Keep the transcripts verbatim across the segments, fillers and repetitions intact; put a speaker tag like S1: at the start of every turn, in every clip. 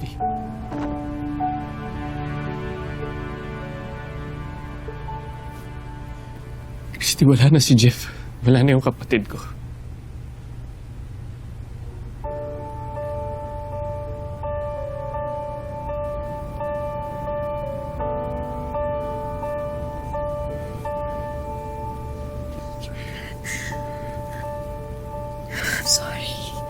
S1: Christy. Christy, wala na si Jeff. Wala na yung kapatid ko.
S2: Sorry.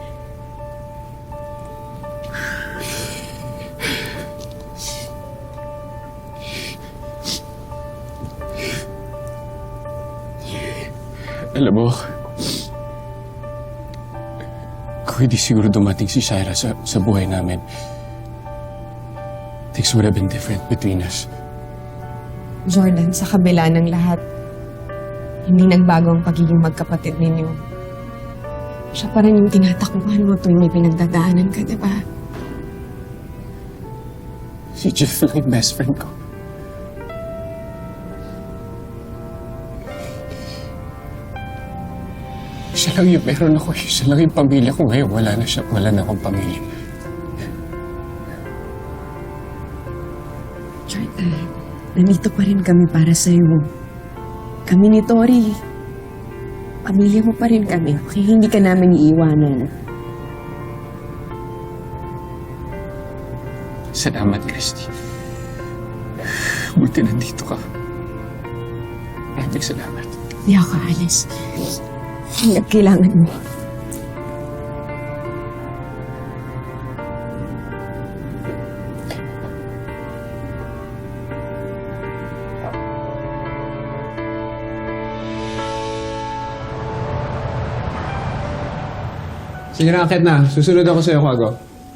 S1: Alam mo, kung hindi siguro dumating si Shaira sa, sa buhay namin, things would have been different between us.
S2: Jordan, sa kabila ng lahat, hindi nagbago ang pagiging magkapatid ninyo. Siya pa rin yung tinatakbuhan mo tuwing may pinagdadaanan ka, di ba?
S1: Si Jeff lang yung best friend ko. Siya lang yung meron ako. Siya lang yung pamilya ko ngayon. Wala na siya. Wala na akong pamilya.
S2: Jordan, nandito pa rin kami para sa'yo. Kami ni Tori. Pamilya mo pa rin kami. Okay, hindi ka namin iiwanan.
S1: Salamat, Christy. Buti nandito ka. Maraming salamat.
S2: Hindi ako aalis. Hanggang kailangan mo.
S3: Sige na, akit na. Susunod ako sa'yo, Kwago.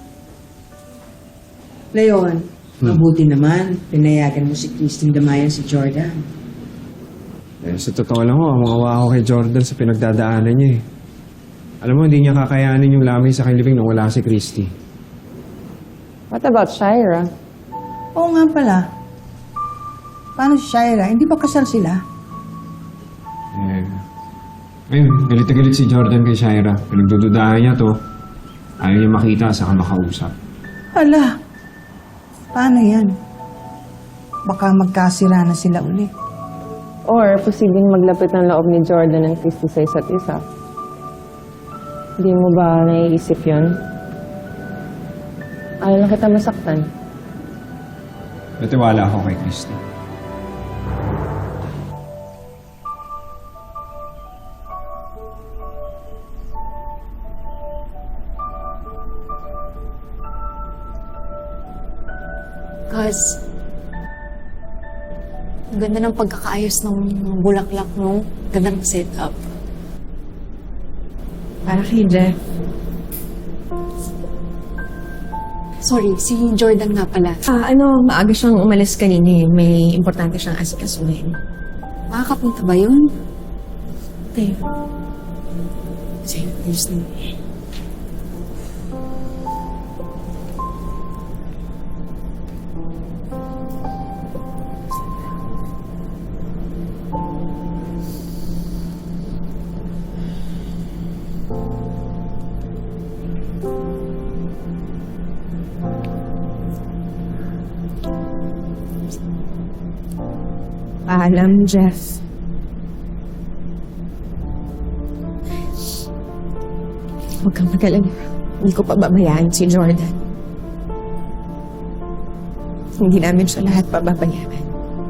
S4: Leon, mabuti naman. Pinayagan mo si Christine damayan si Jordan.
S3: Eh, sa totoo lang ho, mawawa ako kay Jordan sa pinagdadaanan niya eh. Alam mo, hindi niya kakayanin yung lamay sa kanyang living nang wala si Christy.
S5: What about Shaira?
S4: Oo nga pala. Paano si Shaira? Hindi ba kasal sila?
S3: Eh, ayun, galit na galit si Jordan kay Shaira. Pinagdududahan niya to. Ayaw niya makita saka makausap.
S4: Hala, paano yan? Baka magkasira na sila uli.
S5: Or posibleng maglapit ng loob ni Jordan and Christy sa isa't isa. Hindi mo ba naiisip yun? Ayaw lang kita masaktan.
S3: Natiwala ako kay Christy.
S2: Cause, ang ganda ng pagkakaayos ng ng bulaklak, no? Gandang setup. Para kay Jeff. Sorry, si Jordan nga pala. Ah, ano, maaga siyang umalis kanina eh. May importante siyang asikasuhin. Makakapunta ba yun? Okay. Sige, ayos na. Paalam, Jeff. Huwag kang mag-alala. Hindi ko pababayaan si Jordan. Hindi namin siya lahat pababayaan.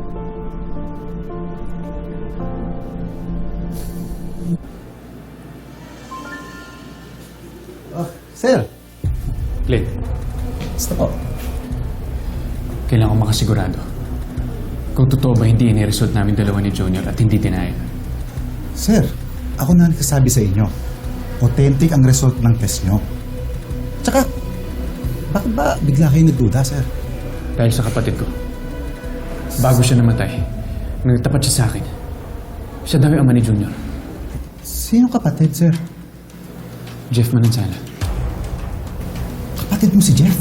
S6: Oh, sir.
S1: Clint,
S6: Basta po.
S1: kailangan ko makasigurado. Kung totoo ba hindi iniresult namin dalawa ni Junior at hindi dinaya.
S6: Sir, ako na nagsasabi sa inyo. Authentic ang result ng test nyo. Tsaka, bakit ba bigla kayo nagduda, sir?
S1: Dahil sa kapatid ko. Bago siya namatay, nagtapat siya sa akin. Siya daw yung ama ni Junior.
S6: Sino kapatid, sir?
S1: Jeff Manansala.
S6: Kapatid mo si Jeff?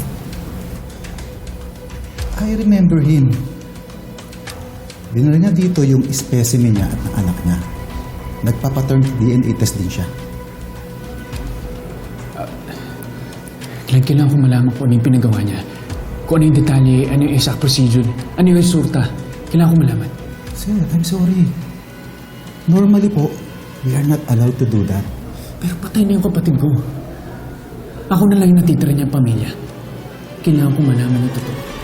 S6: I remember him. Dinala niya dito yung specimen niya at ng anak niya. Nagpapaturn D N A test din siya.
S1: Clint, kailangan ko malaman kung ano yung pinagawa niya. Kung ano yung detalye, ano yung exact procedure, ano yung resulta. Kailangan ko malaman.
S6: Sir, I'm sorry. Normally po, we are not allowed to do that.
S1: Pero patay na yung kapatid ko. Ako na lang yung natitira niyang pamilya. Kailangan ko malaman ito.